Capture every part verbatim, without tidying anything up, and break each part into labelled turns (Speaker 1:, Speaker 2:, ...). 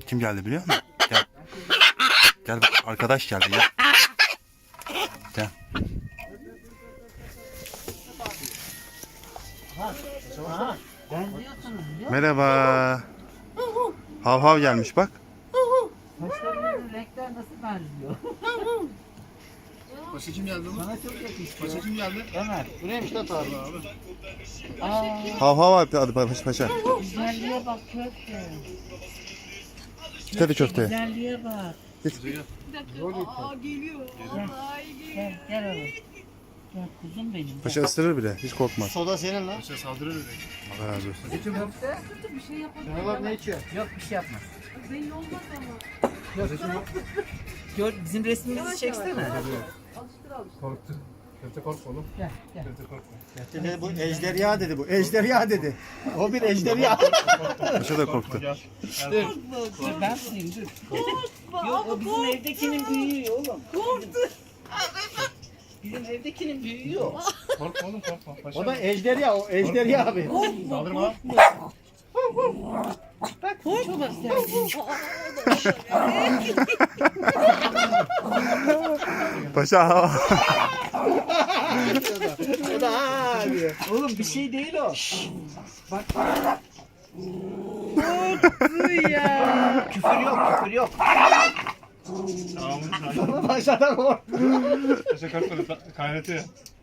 Speaker 1: Kim geldi biliyor musun? Gel. Gel bak, arkadaş geldi ya. Gel. Merhaba. Hav hav gelmiş bak.
Speaker 2: Saçlarının renkler nasıl benziyor?
Speaker 3: Paşa kim geldi oğlum?
Speaker 2: Bana çok yakıştı.
Speaker 3: Paşa kim geldi?
Speaker 2: Ömer, buraya mı
Speaker 3: Mustafa abi abi.
Speaker 2: Aa,
Speaker 1: Hav hav abi adı paşa paşa.
Speaker 2: güzelliğe bak köfte.
Speaker 1: Tabii köfte.
Speaker 2: Güzelliğe bak.
Speaker 4: Aa geliyor. Ay geliyor.
Speaker 2: Gel, gel oğlum. Gel kuzum benim.
Speaker 1: Paşa ısırır bile. Hiç korkmaz.
Speaker 3: Soda senin lan. Paşa saldırır öyle.
Speaker 1: Allah razı olsun.
Speaker 2: Köfte?
Speaker 4: Bir şey yapalım.
Speaker 3: Şenol abi ne içiyor?
Speaker 2: Yok bir şey yapma.
Speaker 4: Belli olmaz ama.
Speaker 2: Gör, bizim resmimizi çeksene.
Speaker 4: Alıştır alıştır.
Speaker 3: Korktu. Köfte korkma oğlum.
Speaker 2: Gel, gel.
Speaker 3: Köfte korkma.
Speaker 5: Dedi, bu ejderha dedi bu. Ejderha dedi. O bir ejderha.
Speaker 1: Paşa da korktu.
Speaker 3: Gel.
Speaker 2: Dur, dur ben tutayım dur. Yok o bizim evdekinin büyüğü oğlum.
Speaker 4: Korktu.
Speaker 2: Bizim evdekinin büyüğü o.
Speaker 3: Korkma oğlum korkma. Paşa.
Speaker 5: O da ejderha o. Ejderha abi.
Speaker 3: Saldırma lan.
Speaker 2: Bak çok güzel.
Speaker 1: Paşa hav hav.
Speaker 5: O da ha diyor.
Speaker 2: Oğlum bir şey değil o. Bak.
Speaker 4: Korktu ya.
Speaker 2: Küfür yok küfür yok.
Speaker 3: Tamam.
Speaker 5: Başladan korktu.
Speaker 3: Paşa korkma. Kaynatıyor.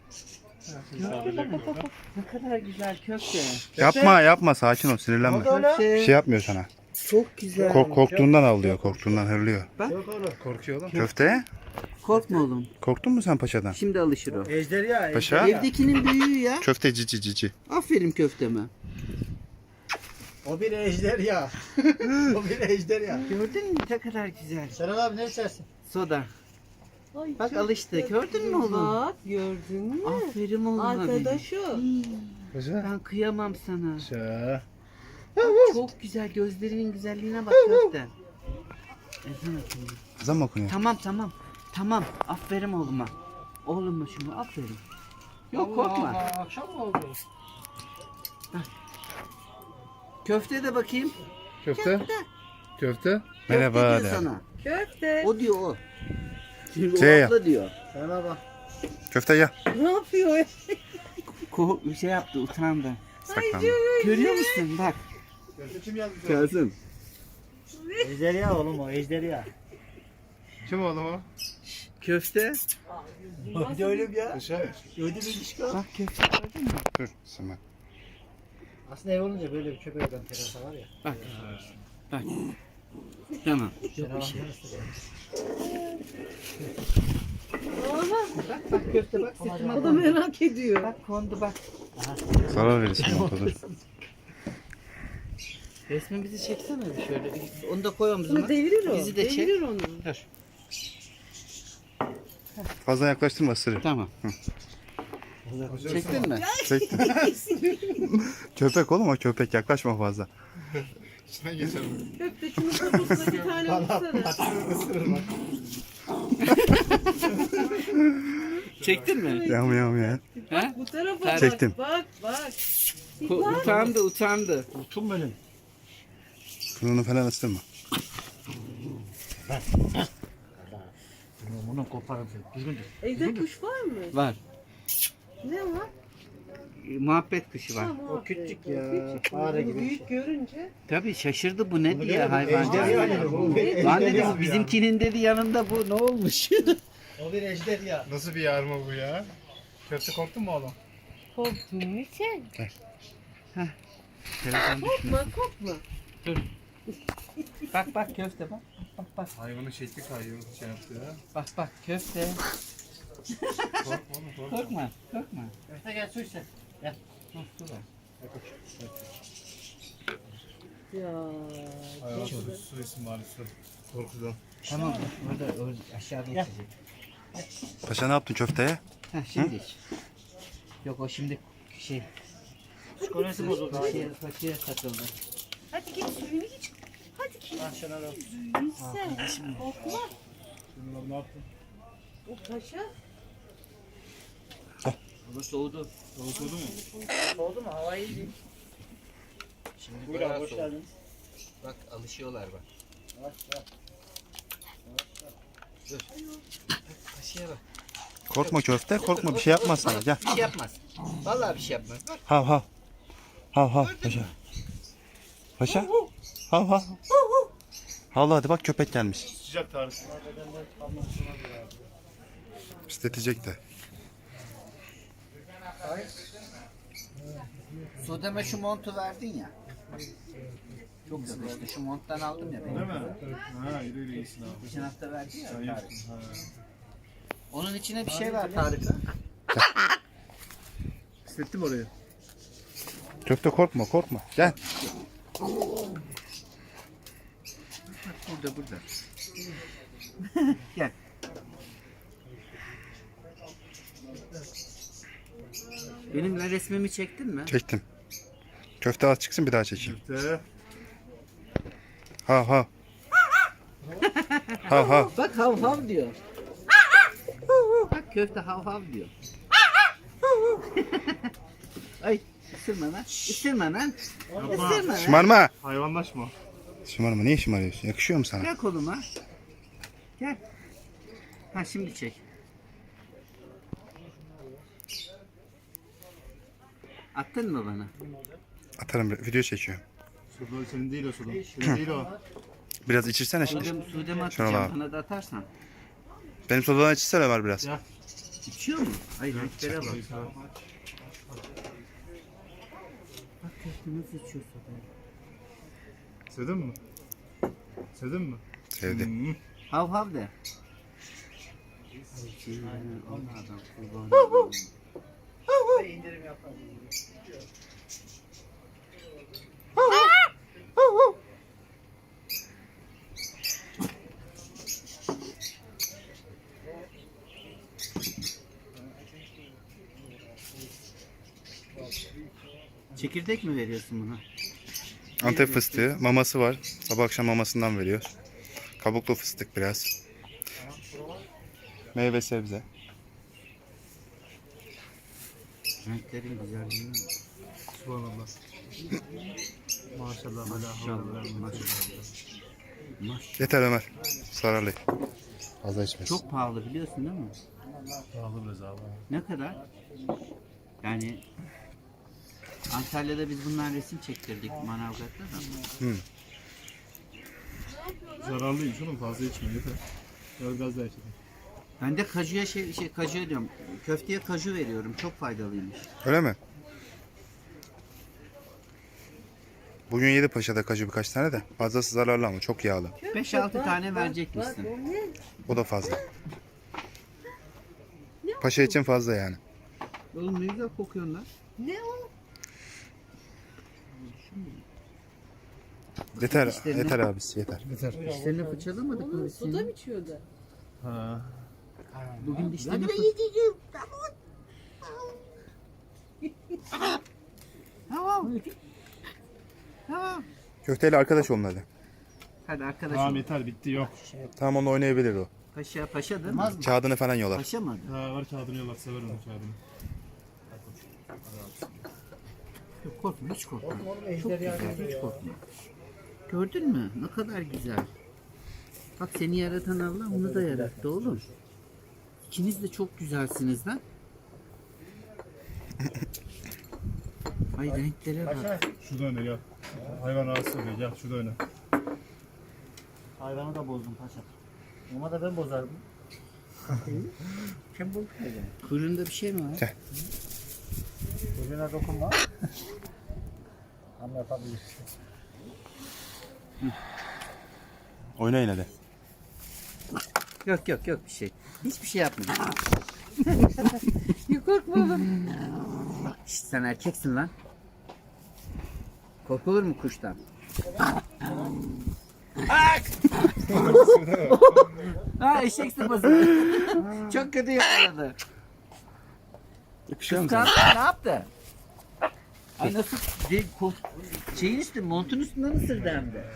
Speaker 2: Ne kadar güzel köfte.
Speaker 1: Yapma yapma, sakin ol, sinirlenme.
Speaker 2: Köfte.
Speaker 1: Bir şey yapmıyor sana.
Speaker 2: Çok güzel.
Speaker 1: Kork, korktuğundan avlıyor, korktuğundan hırlıyor.
Speaker 3: Yok oğlum. Korkuyor oğlum.
Speaker 1: Köfte?
Speaker 2: Korkma oğlum.
Speaker 1: Korktun mu sen paşadan?
Speaker 2: Şimdi alışır o.
Speaker 5: Ejderha.
Speaker 1: Paşa?
Speaker 2: Evdekinin büyüğü ya.
Speaker 1: Köfte cici cici.
Speaker 2: Aferin köfteme.
Speaker 5: O bir ejderha. O bir ejderha.
Speaker 2: Gördün mü ne kadar güzel.
Speaker 5: Şenol abi ne içersin?
Speaker 2: Soda.
Speaker 4: Ay,
Speaker 2: Bak
Speaker 4: çok
Speaker 2: alıştı.
Speaker 4: güzel.
Speaker 2: Gördün mü oğlum?
Speaker 4: Bak gördün mü?
Speaker 2: Aferin oğlum benim.
Speaker 4: Arkadaş o.
Speaker 3: Paşa.
Speaker 2: Ben kıyamam sana.
Speaker 3: Paşa.
Speaker 2: Çok güzel. Gözlerinin güzelliğine bak köfte. Ezan okunuyor.
Speaker 1: Kızım mı okunuyor?
Speaker 2: Tamam tamam. Tamam. Aferin oğluma. Oğluma şunu aferin. Yok korkma.
Speaker 3: Akşam mı oldu?
Speaker 2: Köfte de bakayım.
Speaker 3: Köfte. Köfte.
Speaker 1: Merhaba
Speaker 2: Köfte
Speaker 1: de.
Speaker 2: diyor sana.
Speaker 4: Köfte.
Speaker 2: O diyor o. Şimdi
Speaker 1: Şey
Speaker 2: o
Speaker 1: yap.
Speaker 2: abla diyor.
Speaker 5: Şenol abi.
Speaker 1: Köfte ya.
Speaker 4: Ne yapıyor?
Speaker 2: Ko bir şey yaptı utandı.
Speaker 1: Saklandı.
Speaker 2: Görüyor musun bak.
Speaker 3: Köfte kim geldi?
Speaker 2: Kazım.
Speaker 5: Ejderha oğlum o ejderha.
Speaker 3: Kim oğlum o?
Speaker 2: Köfte.
Speaker 5: Bir de öyle bir ya.
Speaker 3: Paşa.
Speaker 5: Öyle bir ilişki var.
Speaker 2: Bak köfte gördün mü?
Speaker 1: Dur Sima.
Speaker 5: Aslında ev olunca böyle bir köpek adam terasa var ya.
Speaker 2: Bak. Bak. Tamam.
Speaker 5: Şenol abi.
Speaker 2: Bak bak köfte bak sırtıma
Speaker 4: O da
Speaker 2: kondu.
Speaker 4: merak ediyor.
Speaker 2: Bak kondu bak.
Speaker 1: Zarar verirsin ortada.
Speaker 2: Resmimizi çeksene bir şöyle. Onu da koy omzuma.
Speaker 4: Bunu devirir o.
Speaker 2: Bizi de çek.
Speaker 4: Devirir onu.
Speaker 2: Dur.
Speaker 1: Fazla yaklaştırma, ısırır.
Speaker 2: Tamam. Çektin mi?
Speaker 1: Çektim. Köpek oğlum o, köpek, yaklaşma fazla.
Speaker 3: Sen geçelim.
Speaker 4: Köfte şunun kafasına bir tane vursana.
Speaker 2: Çektin mi?
Speaker 1: Yam yam ya.
Speaker 2: Ha?
Speaker 4: Bu tarafa
Speaker 1: Çektim.
Speaker 4: bak. Bak bak.
Speaker 2: Ko- utandı utandı.
Speaker 5: Utum benim.
Speaker 1: Burnunu falan ısırma.
Speaker 5: Bunu koparım seni. Düzgün dur.
Speaker 4: Evde kuş var mı?
Speaker 2: Var.
Speaker 4: Ne var?
Speaker 2: Muhabbet kuşu var.
Speaker 4: Tamam.
Speaker 5: O küçük ya.
Speaker 4: Küçük.
Speaker 5: Fare gibi bir
Speaker 4: Büyük
Speaker 5: şey.
Speaker 4: görünce.
Speaker 2: Tabii şaşırdı bu ne
Speaker 5: Bunu
Speaker 2: diye
Speaker 5: gene bu
Speaker 2: hayvan.
Speaker 5: ejderha dedi, bu bir
Speaker 2: Lan
Speaker 5: ejderha.
Speaker 2: dedi bizimkinin dedi yanında bu ne olmuş?
Speaker 5: O bir ejderha.
Speaker 3: Nasıl bir yarma bu ya? Köfte korktun mu oğlum?
Speaker 4: Korktun mu sen?
Speaker 2: Telefon düşmüyor.
Speaker 4: Korkma korkma.
Speaker 2: Bak bak köfte bak. Bak bak
Speaker 3: Hayvanın şekli kayıyor. Şey yaptı ya.
Speaker 2: bak bak köfte.
Speaker 3: Korkma oğlum korkma.
Speaker 2: Korkma korkma.
Speaker 5: Köfte gel su içsin. Gel.
Speaker 2: Dur, dur.
Speaker 4: Ya.
Speaker 3: Hayvan su, su isim bari su. Korkudan.
Speaker 2: Tamam orada, orada aşağıda
Speaker 5: Gel.
Speaker 2: içecek.
Speaker 1: Paşa ne yaptın köfteye?
Speaker 2: Heh şimdi iç. Yok o şimdi şey.
Speaker 5: Psikolojisi bozuldu.
Speaker 2: Şey, paçaya takıldı.
Speaker 4: Hadi git suyunu iç. Hadi git
Speaker 5: Ah Şenol abi.
Speaker 4: suyunu içsen. Korkma.
Speaker 3: Şimdi lan ne yaptın?
Speaker 4: O paşa.
Speaker 2: Hava soğudu.
Speaker 3: Soğutuldun mu?
Speaker 5: Oldu mu? Havayı değil.
Speaker 2: Şimdi
Speaker 5: Buyur
Speaker 2: bayağı
Speaker 5: abi hoş
Speaker 2: soğudu.
Speaker 5: geldiniz.
Speaker 2: Bak alışıyorlar bak. Paşaya bak.
Speaker 1: Korkma köfte, korkma bir şey yapmaz sana. Gel.
Speaker 2: Bir şey yapmaz. Vallahi bir şey yapmaz. Bak.
Speaker 1: Hav hav. Hav hav paşa. Paşa. Hav hav. Havla hadi bak köpek gelmiş.
Speaker 3: Sıcak Tarık.
Speaker 1: Pisletecek de.
Speaker 2: Sudeme şu montu verdin ya. Çok yakıştı. Şu monttan aldım ya ben.
Speaker 3: Değil mi? Ha iyi öyle iyisin abi.
Speaker 2: Geçen hafta verdi ya
Speaker 3: Sen
Speaker 2: Tarık.
Speaker 3: yaptın. Ha.
Speaker 2: Onun içine bir şey ver Tarık'a.
Speaker 3: Hissettim orayı.
Speaker 1: Köfte korkma korkma. Gel.
Speaker 2: Burada burada. Gel. Benimle resmimi çektin mi?
Speaker 1: Çektim. Köfte az çıksın bir daha çekeyim.
Speaker 3: Köfte.
Speaker 1: Hav hav. Hav hav.
Speaker 2: Bak hav hav diyor. Bak köfte hav hav diyor. Ay ısırma lan. Isırma lan. Isırma lan.
Speaker 1: Şımarma.
Speaker 3: Hayvanlaşma.
Speaker 1: Şımarma. Niye şımarıyorsun? Yakışıyor mu sana?
Speaker 2: Gel koluma. Gel. Ha şimdi çek. Attın mı bana?
Speaker 1: Atarım. Video çekiyorum.
Speaker 3: Sudan senin değil o sudan. Senin değil o.
Speaker 1: Biraz içirsene şimdi.
Speaker 2: Sudem, sudeme
Speaker 1: Şuna
Speaker 2: atacağım.
Speaker 1: bak.
Speaker 2: Bana da atarsan.
Speaker 1: Benim sodadan içsene var biraz.
Speaker 3: Ya.
Speaker 2: İçiyor mu? Ay renklere bak. Bak köfte nasıl içiyor sodayı.
Speaker 3: Sevdin mi? Sevdin mi?
Speaker 1: Sevdi.
Speaker 3: Hmm.
Speaker 2: Hav hav de. Onlardan kurban. Çekirdek mi veriyorsun buna?
Speaker 1: Antep fıstığı. Maması var. Sabah akşam mamasından veriyoruz. Kabuklu fıstık biraz. Meyve sebze.
Speaker 2: Renklerin güzelliğine bak.
Speaker 3: Subhanallah. Maşallah.
Speaker 2: Maşallah, maşallah. Maş.
Speaker 1: Yeter Ömer. Zararlı. Fazla içmesin.
Speaker 2: Çok pahalı biliyorsun değil mi?
Speaker 3: Pahalı biraz abi.
Speaker 2: Ne kadar? Yani Antalya'da biz bundan resim çektirdik Manavgat'ta da.
Speaker 3: Zararlıymış oğlum, fazla içme yeter. Biraz gaz daha içelim.
Speaker 2: Ben de kajuya şey, şey kaju diyorum. Köfteye kaju veriyorum. Çok faydalıymış.
Speaker 1: Öyle mi? Bugün yedi paşada kaju birkaç tane de. Fazlası zararlı ama çok yağlı.
Speaker 2: beş altı tane verecek
Speaker 4: Bak
Speaker 2: misin?
Speaker 4: o ne?
Speaker 1: O da fazla. Paşa için fazla yani.
Speaker 2: Oğlum ne güzel kokuyorsun lan.
Speaker 4: Ne o?
Speaker 1: Yeter,
Speaker 2: İşte ne-
Speaker 1: yeter abisi yeter.
Speaker 3: Yeter.
Speaker 2: Dişlerini fırçalamadık mı biz
Speaker 4: Suda
Speaker 2: senin?
Speaker 4: mı içiyordu?
Speaker 3: Ha.
Speaker 2: Bugün dişlerini fır... Tamam. Tamam.
Speaker 1: Köfteyle arkadaş olun hadi.
Speaker 2: Hadi
Speaker 3: Tamam
Speaker 2: arkadaşım.
Speaker 3: yeter, bitti, yok.
Speaker 1: Tamam onunla oynayabilir o.
Speaker 2: Paşa paşa değil mi?
Speaker 1: Kağıdını falan yolar.
Speaker 2: Paşa mı?
Speaker 3: Ha, var kağıdını yollar, severim o kağıdını.
Speaker 2: Yok korkma hiç korkma. Çok güzel hiç korkma. Gördün mü? Ne kadar güzel. Bak seni yaratan Allah onu da yarattı oğlum. İkiniz de çok güzelsiniz lan. Ay renklere bak.
Speaker 3: Şurada öne gel. Hayvan rahatsız oluyor, gel şurada öne.
Speaker 5: Hayvanı da bozdum paşa. Ama da ben bozardım. Kim bu?
Speaker 2: Kuyruğunda bir şey mi var?
Speaker 1: Gel.
Speaker 5: Çocuğuna dokunma. Anlatabilir.
Speaker 1: Oynayın hadi.
Speaker 2: Yok yok yok bir şey. Hiçbir şey yapmıyor.
Speaker 4: Ya korkma.
Speaker 2: Bak işte sen erkeksin lan. Korkulur mu kuştan? Ha eşek sıpası. Çok kötü yakaladı.
Speaker 1: Yakışıyor mu sana?
Speaker 2: Kıskandı ne yaptı? Ay nasıl de, ko- şeyin üstü montun üstünden ısırdı hem de.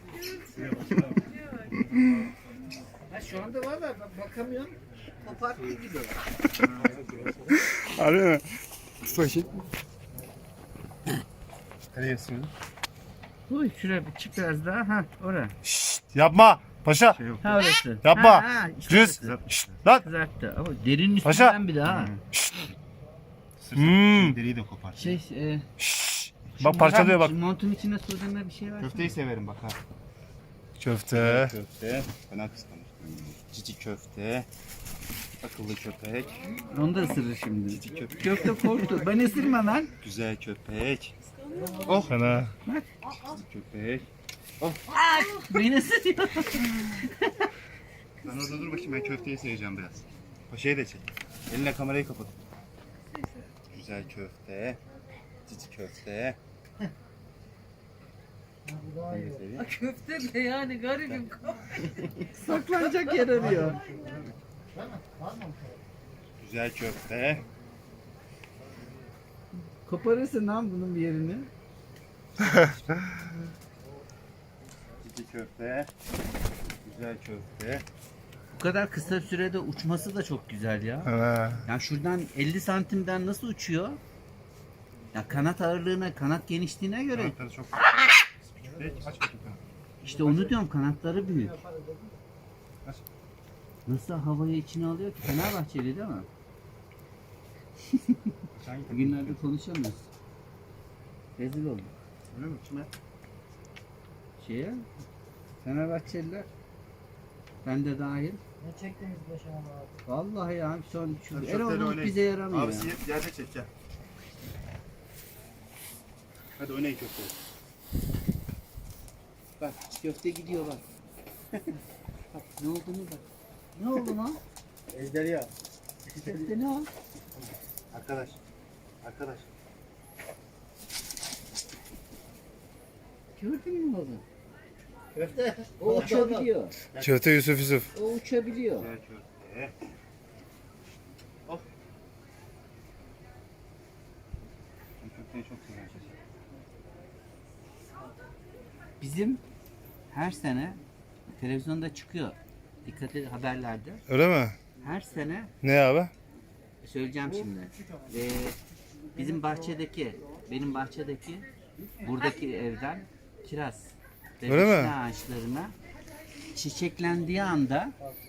Speaker 2: Ha, şu anda valla bak- bakamıyorum. Koparttığı gibi.
Speaker 1: Harbi mi? Tut bakayım.
Speaker 3: Nereye sığın?
Speaker 2: Uy şuraya bir çık biraz daha. Ha oraya.
Speaker 1: Şşt. Yapma. Paşa.
Speaker 2: Ha orası.
Speaker 1: Yapma.
Speaker 2: Ha, ha, işte
Speaker 1: Cüz.
Speaker 2: orası.
Speaker 1: Şşt, lan.
Speaker 2: Kızarttı. Ama derinin
Speaker 1: Paşa.
Speaker 2: üstünden bir daha.
Speaker 1: Hmm.
Speaker 5: Deriyi de kopar.
Speaker 2: Şey e,
Speaker 1: Bak parçalıyor bak.
Speaker 2: şu montun içine sordurma bir şey var.
Speaker 5: Köfteyi severim bak ha.
Speaker 1: Köfte.
Speaker 5: Köfte. Fena kıskanır. Cici köfte. Akıllı köpek.
Speaker 2: Onu da ısırır şimdi.
Speaker 5: Cici köpek.
Speaker 2: Köfte korktu. Ben ısırma lan.
Speaker 5: Güzel köpek.
Speaker 1: Fena.
Speaker 5: Cici köpek.
Speaker 2: Beni ısırıyor.
Speaker 5: Ben orada dur bakayım, ben köfteyi seveceğim biraz. Paşayı da çek. Eline kamerayı kapat. Güzel köfte. Cici köfte. Ben de seveyim.
Speaker 4: Köfte de yani garibim.
Speaker 2: Saklanacak yer arıyor.
Speaker 5: Güzel köfte.
Speaker 2: Koparırsın lan bunun bir yerini.
Speaker 5: Cici köfte. Güzel köfte.
Speaker 2: Bu kadar kısa sürede uçması da çok güzel ya.
Speaker 1: Fena.
Speaker 2: Yani şuradan elli santimden nasıl uçuyor? Ya kanat ağırlığına, kanat genişliğine göre
Speaker 5: Kanatları çok küçük. Aç bakayım.
Speaker 2: işte onu diyorum, kanatları büyük.
Speaker 5: Aç.
Speaker 2: Nasıl havayı içine alıyor ki? Fenerbahçeli değil mi?
Speaker 5: Hangi
Speaker 2: Bugünlerde konuşamıyoruz. Rezil olduk.
Speaker 5: Öyle mi? Kime?
Speaker 2: Şeye, Fenerbahçeliler, ben de dahil.
Speaker 4: Ne çektiniz başıma abi?
Speaker 2: Vallahi ya son şu
Speaker 5: Hadi
Speaker 2: Erol
Speaker 5: şöyle
Speaker 2: Bulut
Speaker 5: oynayın.
Speaker 2: bize yaramıyor.
Speaker 5: Abi
Speaker 2: ya.
Speaker 5: siz yerde çek gel. Hadi oynayın köfteyi.
Speaker 2: Bak köfte gidiyor bak. Bak ne olduğunu bak. Ne oldu lan?
Speaker 5: Ejderha.
Speaker 2: Köfte ne o?
Speaker 5: Arkadaş. Arkadaş.
Speaker 2: Gördün mü oğlum?
Speaker 5: Köfte.
Speaker 2: O uçabiliyor.
Speaker 1: Köfte Yusuf Yusuf.
Speaker 2: O uçabiliyor.
Speaker 5: Güzel köfte. Of. Ben köfteyi çok seviyorum.
Speaker 2: Bizim her sene televizyonda çıkıyor. Dikkat edin haberlerde.
Speaker 1: Öyle mi?
Speaker 2: Her sene
Speaker 1: Ne abi?
Speaker 2: söyleyeceğim şimdi. Ee, bizim bahçedeki, benim bahçedeki buradaki evden kiraz ve
Speaker 1: Öyle mi?
Speaker 2: vişne ağaçlarına çiçeklendiği anda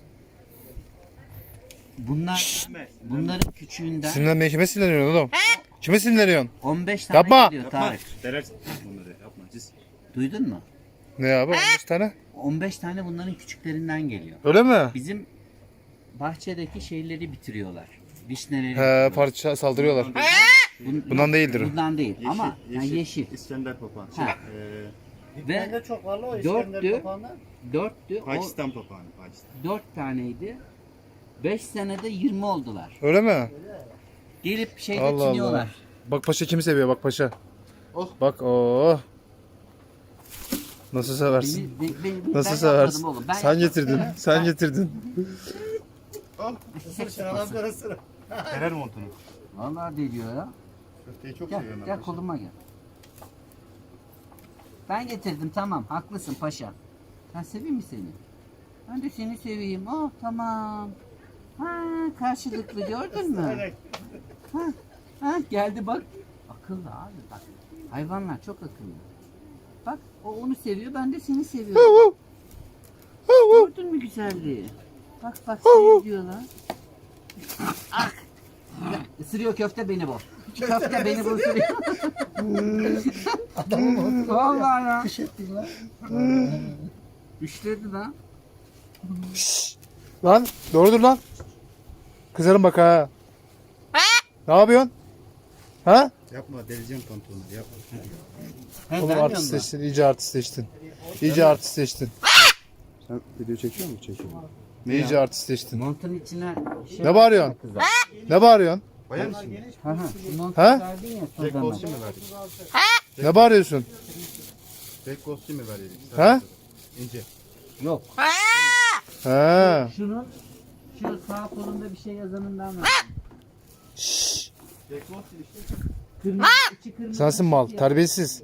Speaker 2: bunlar bunların küçüğünden
Speaker 1: Sinirlenmeye kime sinirleniyorsun oğlum? Kime sinirleniyorsun?
Speaker 2: on beş tane
Speaker 1: Yapma!
Speaker 2: geliyor Tarık.
Speaker 5: Derersin bunları. Yapma. Ciz.
Speaker 2: Duydun mu?
Speaker 1: Ne abi? on beş tane.
Speaker 2: on beş tane bunların küçüklerinden geliyor.
Speaker 1: Öyle mi?
Speaker 2: Bizim bahçedeki şeyleri bitiriyorlar. Vişneleri
Speaker 1: He
Speaker 2: bitiriyorlar.
Speaker 1: parça saldırıyorlar.
Speaker 2: Bun-
Speaker 1: Bundan değildir o.
Speaker 2: Bundan değil
Speaker 5: Yeşil,
Speaker 2: ama
Speaker 5: yeşil,
Speaker 2: yeşil. yeşil.
Speaker 5: İskender papağanı. Şey,
Speaker 2: Ha.
Speaker 5: eee
Speaker 2: Ve
Speaker 4: çok var o
Speaker 2: dörttü, dörttü, o
Speaker 5: Pakistan papağanı. Pakistan.
Speaker 2: dört taneydi. Beş senede yirmi oldular.
Speaker 1: Öyle mi?
Speaker 2: Gelip şeyde
Speaker 1: Allah
Speaker 2: çiniyorlar.
Speaker 1: Allah. Bak paşa kimi seviyor bak paşa.
Speaker 5: Oh.
Speaker 1: Bak oh. Nasıl seversin?
Speaker 2: Beni, beni, beni,
Speaker 1: Nasıl
Speaker 2: ben
Speaker 1: seversin?
Speaker 2: yapmadım oğlum. Ben
Speaker 1: Sen
Speaker 2: yapmadım.
Speaker 1: getirdin. Sen getirdin.
Speaker 5: Derer montunu.
Speaker 2: Vallahi deliyor ya.
Speaker 5: Köfteyi çok
Speaker 2: Gel,
Speaker 5: seviyorum ben.
Speaker 2: gel
Speaker 5: paşa.
Speaker 2: koluma gel. Ben getirdim tamam. Haklısın paşa. Ben seveyim mi seni? Ben de seni seveyim. Oh tamam. Ha karşılıklı gördün mü? Ha, ha geldi bak. Akıllı abi bak. Hayvanlar çok akıllı. Bak o onu seviyor, ben de seni seviyorum. Gördün mü güzelliği? Bak bak seni diyorlar. Ah! Ya, ısırıyor köfte beni bu. Köfte beni bu ısırıyor. Vallahi ya. Kış ettin lan. Üşledi lan.
Speaker 1: Lan doğrudur lan. Kızarım bak ha. Ne yapıyorsun? Ha?
Speaker 5: Yapma, deleceğim pantolonu. Yapma.
Speaker 2: He,
Speaker 1: Oğlum
Speaker 2: vermiyor musun?
Speaker 1: artistleştin. İyice artistleştin. İyice artistleştin.
Speaker 5: Sen video çekiyor musun? Çekiyorum.
Speaker 1: İyice artistleştin.
Speaker 2: Montun içine şey
Speaker 1: Ne bağırıyorsun?
Speaker 2: kızar.
Speaker 1: Ne bağırıyorsun?
Speaker 5: Bayağı mısın?
Speaker 2: Ha ha. Bu montu
Speaker 1: Ha?
Speaker 2: verdin ya son
Speaker 5: Jack
Speaker 2: zaman.
Speaker 5: Ghost'u mi verdik?
Speaker 1: Ne bağırıyorsun?
Speaker 5: Jack Ghost'u mi verdik?
Speaker 1: Ha?
Speaker 5: İnce.
Speaker 2: Yok.
Speaker 1: Ha.
Speaker 2: Şunun şu sağ kolunda bir şey yazanından var.
Speaker 5: Jack Ghost işte.
Speaker 2: Kırmızı, içi kırmızı.
Speaker 1: Sensin mal.
Speaker 2: ya.
Speaker 1: Terbiyesiz.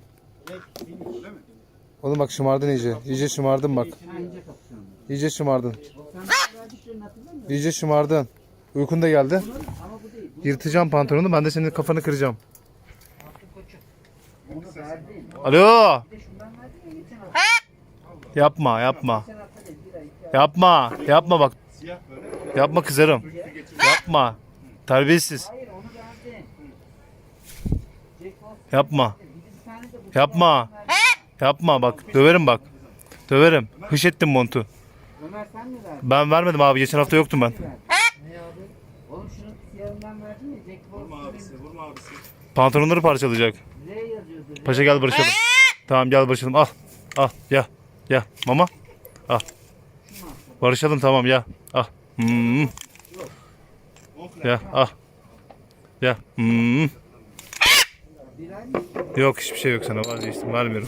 Speaker 1: Oğlum bak şımardın iyice. İyice şımardın bak.
Speaker 2: Ha, ince kapışıyor.
Speaker 1: İyice şımardın.
Speaker 2: Sen bana verdiklerini hatırlamıyor musun?
Speaker 1: İyice şımardın. Uykun da geldi.
Speaker 2: Ama bu değil. Bu
Speaker 1: Yırtacağım pantolonu. Ben de senin kafanı kıracağım.
Speaker 2: onu verdin.
Speaker 1: Alo.
Speaker 2: Bir de şundan verdin ya geçen hafta.
Speaker 3: Yapma yapma. Yapma. Yapma bak.
Speaker 5: Siyah böyle.
Speaker 3: Yapma kızarım. Yapma. Terbiyesiz.
Speaker 2: Hayır onu verdin. Jack Frost
Speaker 3: Yapma.
Speaker 2: bir bir tane de bu
Speaker 3: Yapma. Yapma bak. Döverim bak. Döverim. Hış ettim montu.
Speaker 2: Ömer sen mi verdin?
Speaker 3: Ben vermedim abi. Geçen hafta yoktum ben.
Speaker 2: Ne abi? Oğlum şunu siyahından verdin ya Jack
Speaker 5: Vurma
Speaker 2: Frost'un
Speaker 5: abisi, vurma abisi.
Speaker 3: Pantolonları parçalayacak.
Speaker 2: R yazıyordu. R.
Speaker 3: Paşa gel barışalım. Tamam gel barışalım. Al. Al. Ya. Ya. Mama. Al. Barışalım tamam ya. Al. Hmm. Ya. Al. Ya. Hmm.
Speaker 2: Birer mi?
Speaker 3: Yok hiçbir şey yok sana vazgeçtim. Vermiyorum.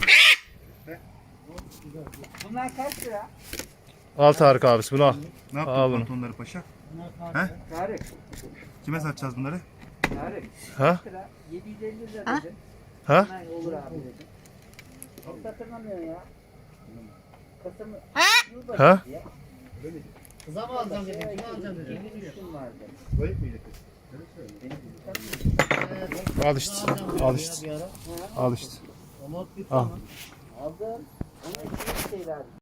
Speaker 2: Bunlar kaç lira?
Speaker 3: Al Tarık abisi bunu al.
Speaker 5: Ne yaptın
Speaker 3: Al bunu.
Speaker 5: pantolonları paşa?
Speaker 2: Tarık.
Speaker 5: Kime satacağız bunları?
Speaker 2: Tarık.
Speaker 3: Ha?
Speaker 2: Kaç lira? yedi yüz elli lira dedim.
Speaker 3: Ha?
Speaker 2: Hemen olur abi dedim. Çok hatırlamıyor ya. Kasım'ı.
Speaker 3: Ha?
Speaker 4: Kıza mı alacağım dedim. Kime alacağım dedim.
Speaker 2: İki gün üstüm vardı.
Speaker 5: Böyle miydi kız?
Speaker 3: Al işte. Al işte. Al işte.
Speaker 4: Ama bir
Speaker 3: Al.
Speaker 2: Aldım. Ona iki şeyler.